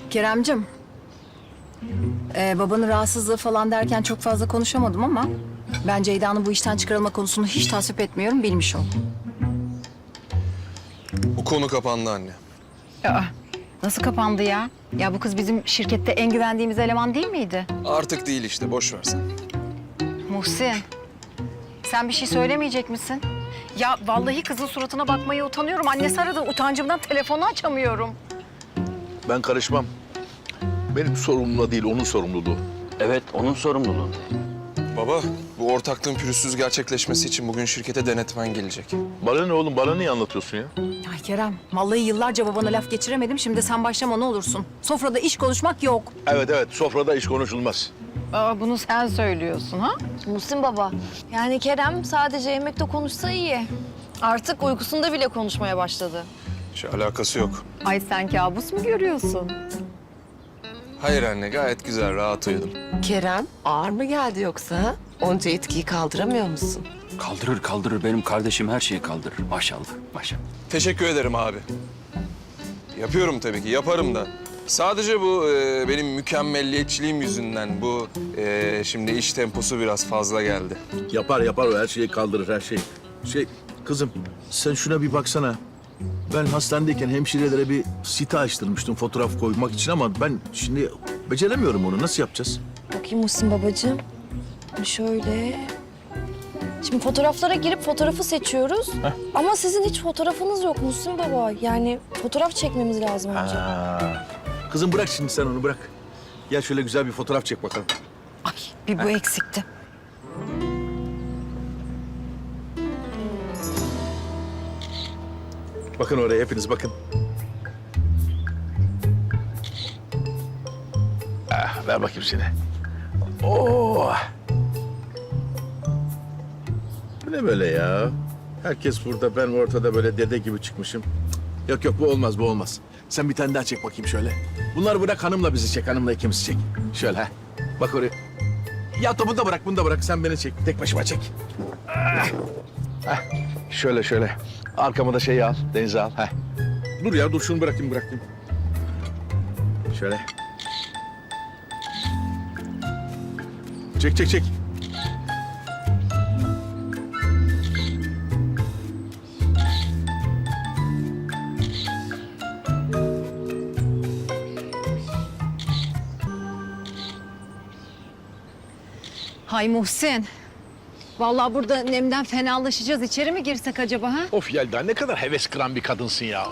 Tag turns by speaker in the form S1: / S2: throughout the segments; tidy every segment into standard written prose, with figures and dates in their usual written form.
S1: Keremcim, babanın rahatsızlığı falan derken çok fazla konuşamadım ama ben Ceyda'nın bu işten çıkarılma konusunu hiç tasvip etmiyorum, bilmiş ol.
S2: Bu konu kapandı anne.
S1: Aa, nasıl kapandı ya? Ya bu kız bizim şirkette en güvendiğimiz eleman değil miydi?
S2: Artık değil işte, boş ver sen.
S1: Muhsin, sen bir şey söylemeyecek misin? Ya vallahi kızın suratına bakmaya utanıyorum. Annesi aradı, utancımdan telefonu açamıyorum.
S3: Ben karışmam. Benim sorumluluğum değil, onun sorumluluğu.
S4: Evet, onun sorumluluğu.
S2: Baba, bu ortaklığın pürüzsüz gerçekleşmesi için bugün şirkete denetmen gelecek.
S3: Bana ne oğlum, bana niye anlatıyorsun ya?
S1: Ay Kerem, vallahi yıllarca babana laf geçiremedim. Şimdi sen başlama ne olursun. Sofrada iş konuşmak yok.
S3: Evet, sofrada iş konuşulmaz.
S1: Aa, bunu sen söylüyorsun ha?
S5: Muhsin baba, yani Kerem sadece yemekte konuşsa iyi. Artık uykusunda bile konuşmaya başladı.
S2: Hiç alakası yok.
S1: Ay sen kabus mu görüyorsun?
S2: Hayır anne, gayet güzel, rahat uyudum.
S6: Kerem, ağır mı geldi yoksa? Onca etkiyi kaldıramıyor musun?
S4: Kaldırır. Benim kardeşim her şeyi kaldırır. Maşallah.
S2: Teşekkür ederim abi. Yapıyorum tabii ki, yaparım da. Sadece bu benim mükemmelliyetçiliğim yüzünden bu şimdi iş temposu biraz fazla geldi.
S3: Yapar o, her şeyi kaldırır, her şey. Kızım, sen şuna bir baksana. Ben hastanedeyken hemşirelere bir site açtırmıştım fotoğraf koymak için ama ben şimdi beceremiyorum onu. Nasıl yapacağız?
S5: Bakayım Muhsin babacığım. Şöyle. Şimdi fotoğraflara girip fotoğrafı seçiyoruz. Ama sizin hiç fotoğrafınız yok Muhsin baba. Yani fotoğraf çekmemiz lazım önce.
S3: Kızım bırak şimdi sen onu, bırak. Gel şöyle güzel bir fotoğraf çek bakalım.
S1: Ay bir bu eksikti.
S3: Bakın oraya, hepiniz bakın. Ver bakayım seni. Oo. Bu ne böyle ya? Herkes burada, ben ortada böyle dede gibi çıkmışım. Yok, bu olmaz. Sen bir tane daha çek bakayım şöyle. Bunları bırak, hanımla bizi çek, hanımla ikimizi çek. Şöyle ha. Bak oraya. Ya bunu da bırak. Sen beni çek, tek başıma çek. Şöyle. Arkama da şeyi al, Deniz'i al. Heh. Dur şunu bırakayım. Şöyle. Çek.
S1: Hay Muhsin. Vallahi burada nemden fenalaşacağız. İçeri mi girsek acaba ha?
S3: Of Yelda, ne kadar heves kıran bir kadınsın ya.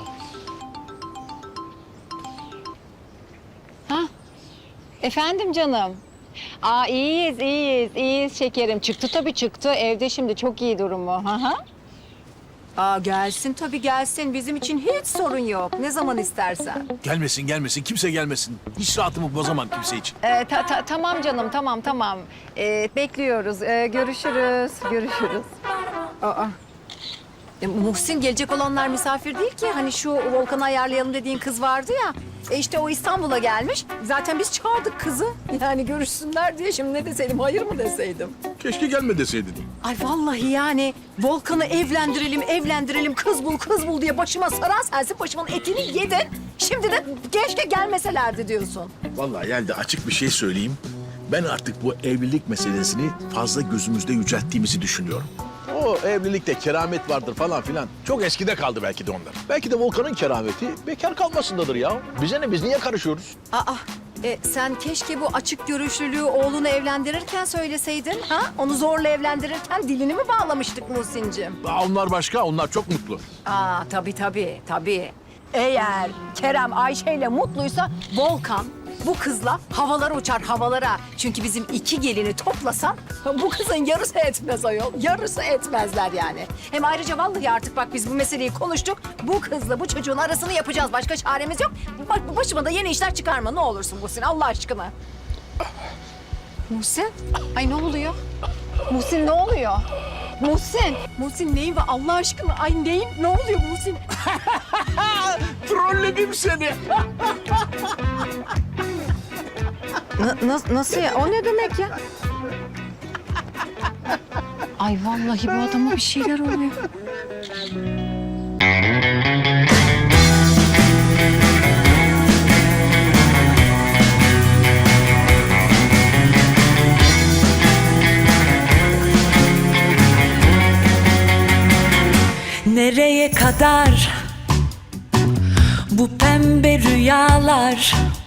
S1: Efendim canım. Aa iyiyiz şekerim. Çıktı tabii çıktı. Evde şimdi çok iyi durumu. Aha. Aa gelsin tabii gelsin. Bizim için hiç sorun yok. Ne zaman istersen.
S3: Gelmesin, kimse gelmesin. Hiç rahatımı bozamam kimse için.
S1: Tamam canım tamam. Bekliyoruz. Görüşürüz. Aa. Muhsin gelecek olanlar misafir değil ki. Hani şu Volkan'ı ayarlayalım dediğin kız vardı ya. İşte o İstanbul'a gelmiş. Zaten biz çağırdık kızı. Yani görüşsünler diye. Şimdi ne deseydim, hayır mı deseydim?
S3: Keşke gelme deseydin.
S1: Ay vallahi yani Volkan'ı evlendirelim, kız bul diye başıma saran sensin, başımın etini yedin. Şimdi de keşke gelmeselerdi diyorsun.
S3: Vallahi Yelda, açık bir şey söyleyeyim. Ben artık bu evlilik meselesini fazla gözümüzde yücelttiğimizi düşünüyorum. O evlilikte keramet vardır falan filan. Çok eskide kaldı belki de onlar. Belki de Volkan'ın kerameti bekar kalmasındadır ya. Bize ne, biz niye karışıyoruz?
S1: Sen keşke bu açık görüşlülüğü oğlunu evlendirirken söyleseydin. Ha? Onu zorla evlendirirken dilini mi bağlamıştık Muhsin'cim?
S3: Onlar başka, onlar çok mutlu.
S1: Tabii. Eğer Kerem Ayşe'yle mutluysa Volkan bu kızla havalara uçar havalara. Çünkü bizim iki gelini toplasan bu kızın yarısı etmez ayol. Yarısı etmezler yani. Hem ayrıca vallahi artık bak biz bu meseleyi konuştuk. Bu kızla bu çocuğun arasını yapacağız. Başka çaremiz yok. Bak başıma da yeni işler çıkarma ne olursun Muhsin Allah aşkına. Muhsin? Ay ne oluyor? Muhsin ne oluyor? Muhsin neyin var Allah aşkına? Ay neyin? Ne oluyor Muhsin?
S3: Trolledim seni.
S1: Nasıl ya? O ne demek ya? Ay vallahi bu adama bir şeyler oluyor.
S7: kadar bu pembe rüyalar